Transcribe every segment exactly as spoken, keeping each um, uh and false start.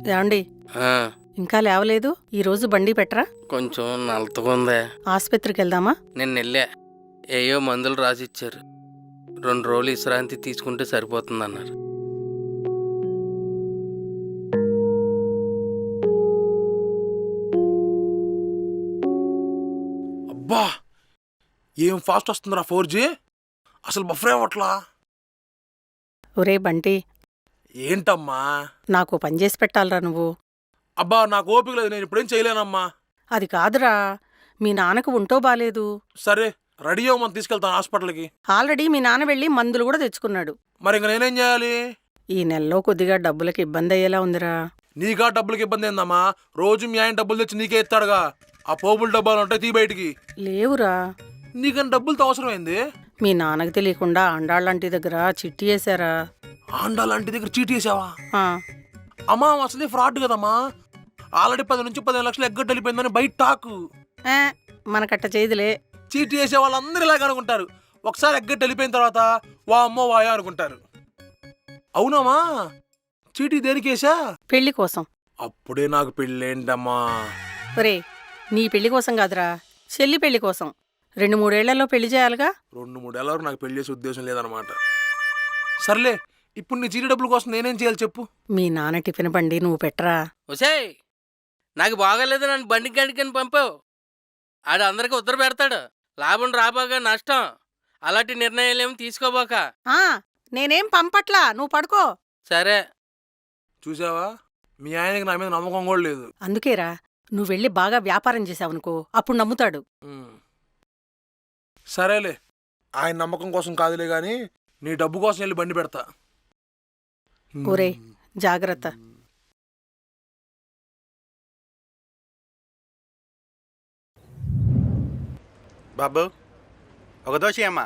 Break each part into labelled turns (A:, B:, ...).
A: ఏమండి
B: ఆ,
A: ఇంకా లేవలేదు? ఈరోజు బండి పెట్టరా?
B: కొంచెం నలతగా ఉందే.
A: ఆసుపత్రికి వెళ్దామా?
B: నేను వెళ్ళా, ఏయో మందులు రాసిచ్చారు. రెండు రోజులు విశ్రాంతి తీసుకుంటే సరిపోతుందన్నారు.
C: అబ్బా ఏం ఫాస్ట్ వస్తుందిరా ఫోర్ జీ. అసలు బఫర్ ఏమట్లా.
A: ఒరే బంటి,
C: ఏంటమ్మా?
A: నాకు పని చేసి పెట్టాలరా నువ్వు.
C: అబ్బా నాకు ఓపిక లేదు, నేను ఇప్పుడేం చేయలేనమ్మా.
A: అది కాదురా, మీ నాన్నకు ఉంటో బాలేదు.
C: సరే రెడీ అవ్వమని తీసుకెళ్తాను హాస్పిటల్కి.
A: ఆల్రెడీ మీ నాన్న వెళ్ళి మందులు కూడా తెచ్చుకున్నాడు.
C: మరి ఇంక నేనేం చేయాలి?
A: ఈ నెలలో కొద్దిగా డబ్బులకి ఇబ్బంది అయ్యేలా ఉందిరా.
C: నీకా డబ్బులకి ఇబ్బంది ఏందమ్మా? రోజు మీ ఆయన డబ్బులు తెచ్చి నీకే ఇస్తాడుగా. ఆ పోపుల డబ్బాలు ఉంటాయి, తీ బయటికి.
A: లేవురా,
C: నీకని డబ్బులతో అవసరం ఏంది?
A: మీ నాన్నకి తెలియకుండా ఆండాళ్ళంటి దగ్గర చిట్టి వేశారా.
C: ఆండాలంటి దగ్గర చీటీ వేసావా?
A: ఆ,
C: అమ్మా అసలే ఫ్రాడ్ కదమ్మా. ఆల్రెడీ పది నుంచి పదిహేను లక్షలు ఎగ్గట్టు వెళ్ళిపోయిందని బయట టాకు.
A: ఏ, మనకట్ట చేయదులే.
C: చీటీ వేసే వాళ్ళందరూ ఇలాగ అనుకుంటారు. ఒకసారి ఎగ్గట్టు వెళ్ళిపోయిన తర్వాత వా అమ్మో వాయా అనుకుంటారు. అవునమ్మా, చీటీ దేనికి వేసా?
A: పెళ్లి కోసం.
C: అప్పుడే నాకు పెళ్ళేంటమ్మా?
A: ఒరే, నీ పెళ్లి కోసం కాదురా, చెల్లి పెళ్లి కోసం. రెండు మూడేళ్లలో పెళ్లి చేయాలిగా.
C: రెండు మూడేళ్ళ వరకు నాకు పెళ్లి చేసే ఉద్దేశం లేదనమాట. సర్లే, ఇప్పుడు నీ చీటీ డబ్బుల కోసం నేనేం చేయాలి చెప్పు?
A: మీ నాన్న టిఫిన్ బండి నువ్వు పెట్టరా.
B: ఒసేయ్, నాకు బాగాలేదు, నన్ను బండి గండికని పంపావు. ఆడు అందరికి ఉత్తర పెడతాడు. లాభం రాబాగా నష్టం. అలాంటి నిర్ణయాలేమి తీసుకోబోక.
A: ఆ, నేనేం పంపట్లా, నువ్వు పడుకో.
B: సరే.
C: చూసావా, మీ ఆయనకి నా మీద నమ్మకం కూడా లేదు.
A: అందుకేరా, నువ్వు వెళ్ళి బాగా వ్యాపారం చేసావనుకో, అప్పుడు నమ్ముతాడు.
C: ఉమ్. సరేలే, ఆయన నమ్మకం కోసం కాదులే గాని నీ డబ్బు కోసం వెళ్ళి బండి పెడతా.
A: ఒరే, జాగ్రత్త.
D: బాబు ఒక దోశ అమ్మా.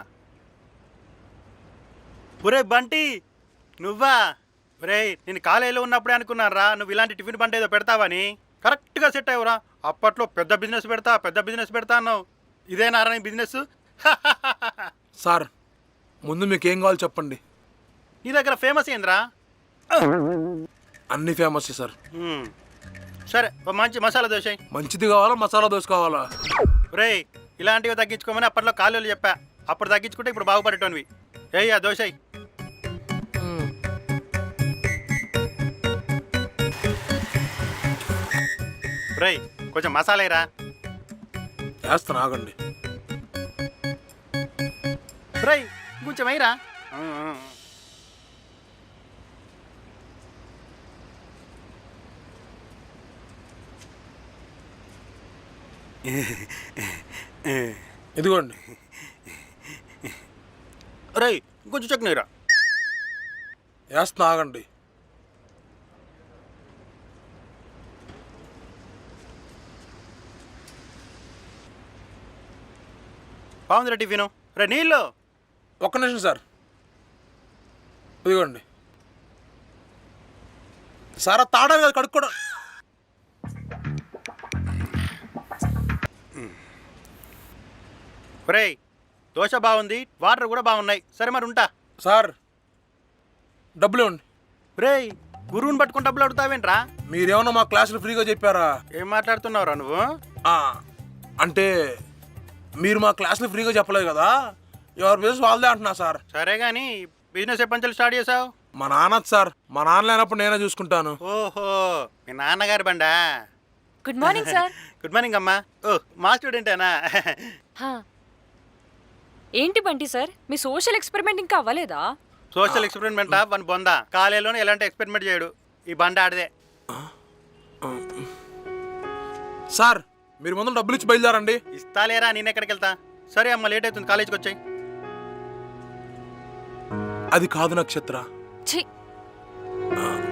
D: ఒరే బంటి, నువ్వా? ఒరే, నేను కాలేజీలో ఉన్నప్పుడే అనుకున్నారా నువ్వు ఇలాంటి టిఫిన్ బండి ఏదో పెడతావని. కరెక్ట్గా సెట్ అయ్యవరా. అప్పట్లో పెద్ద బిజినెస్ పెడతా పెద్ద బిజినెస్ పెడతా అన్నావు. ఇదేనారా నీ బిజినెస్?
C: సార్, ముందు మీకేం కావాలి చెప్పండి.
D: నీ దగ్గర ఫేమస్ ఏంద్రా?
C: అన్ని ఫేమస్ సార్.
D: మ్మ్. సరే, ఓ మంచి మసాలా దోశ.
C: మంచిది కావాలా మసాలా దోశ కావాలా?
D: ఒరే, ఇలాంటివి తగ్గించుకోమని అప్పట్లో కాలేజీలో చెప్పా. అప్పుడు తగ్గించుకుంటే ఇప్పుడు బాగుపడేటోనివి. ఏయ్ ఆ దోశ. ఒరేయ్, కొంచెం మసాలా రా.
C: వేస్తాను, ఆగండి.
D: ఒరేయ్, కొంచెం అయ్యిరా.
C: ఇదిగోండి.
D: ఒరేయ్, కొంచెం చట్నీరా.
C: వేస్తాను, ఆగండి.
D: బాగుందిరా టిఫిను. రే నీళ్ళు.
C: ఒక్క నిమిషం సార్, ఇదిగోండి. సారా తాడాలి కదా కడుక్కోవడం.
D: ఒరేయ్, దోశ బాగుంది, వాటర్ కూడా బాగున్నాయి. సరే మరి ఉంటా.
C: సార్, డబ్బులు ఇవ్వండి.
D: ఒరేయ్, గురువుని పట్టుకుని డబ్బులు అడుగుతావేంట్రా?
C: మీరేమన్నా మా క్లాసులు ఫ్రీగా చెప్పారా?
D: ఏం మాట్లాడుతున్నావురా నువ్వు?
C: ఆ, అంటే మీరు మా క్లాసులు ఫ్రీగా చెప్పలేదు కదా, ఎవరి బిజినెస్ వాళ్ళదే అంటున్నా సార్.
D: సరే కానీ బిజినెస్ ఎప్పటి నుంచి స్టార్ట్ చేసావు?
C: మా నాన్న సార్, మా నాన్న లేనప్పుడు నేనే చూసుకుంటాను.
D: ఓహో, మీ నాన్నగారి బండా.
E: Good morning sir.
D: Good morning అమ్మా. ఓ, మా స్టూడెంటేనా?
E: ఏంటి బంటి సార్, మీ సోషల్ ఎక్స్పెరిమెంట్ ఇంకా అవ్వలేదా?
D: సోషల్ ఎక్స్పెరిమెంటా? వన్ బొందా. కాలేజీలోనే ఎలాంటి ఎక్స్పెరిమెంట్ చేయడు. ఈ బండ ఆడదే.
C: సార్, మీరు ముందు డబ్బులు ఇచ్చి బయలుదేరండి.
D: ఇస్తాలేరా, నేను ఎక్కడికి వెళ్తా. సరే అమ్మ, లేట్ అవుతుంది, కాలేజీకి వచ్చాయి.
C: అది కాదు నక్షత్ర.
E: ఛీ,